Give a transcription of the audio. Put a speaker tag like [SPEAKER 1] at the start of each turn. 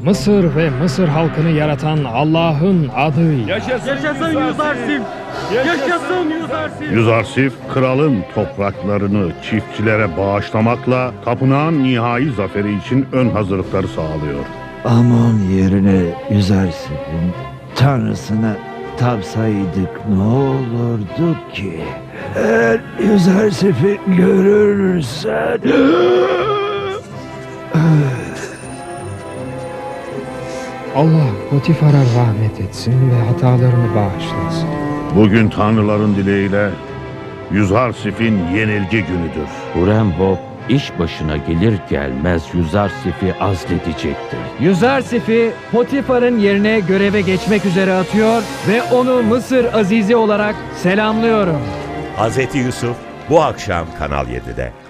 [SPEAKER 1] Mısır ve Mısır halkını yaratan Allah'ın adıyla.
[SPEAKER 2] Yaşasın Yüzarsif! Yaşasın Yüzarsif!
[SPEAKER 3] Yüzarsif, kralın topraklarını çiftçilere bağışlamakla tapınağın nihai zaferi için ön hazırlıkları sağlıyor.
[SPEAKER 4] Amon yerine Yüzarsif'in tanrısına tapsaydık ne olurdu ki? Eğer Yüzarsif'i görürsen...
[SPEAKER 1] Allah Potifar'a rahmet etsin ve hatalarını bağışlasın.
[SPEAKER 3] Bugün tanrıların dileğiyle Yüzarsif'in yenilgi günüdür.
[SPEAKER 5] Hurem-Hop iş başına gelir gelmez Yüzarsif'i azledecektir.
[SPEAKER 6] Yüzarsif'i Potifar'ın yerine göreve geçmek üzere atıyor ve onu Mısır Azizi olarak selamlıyorum.
[SPEAKER 7] Hazreti Yusuf bu akşam Kanal 7'de.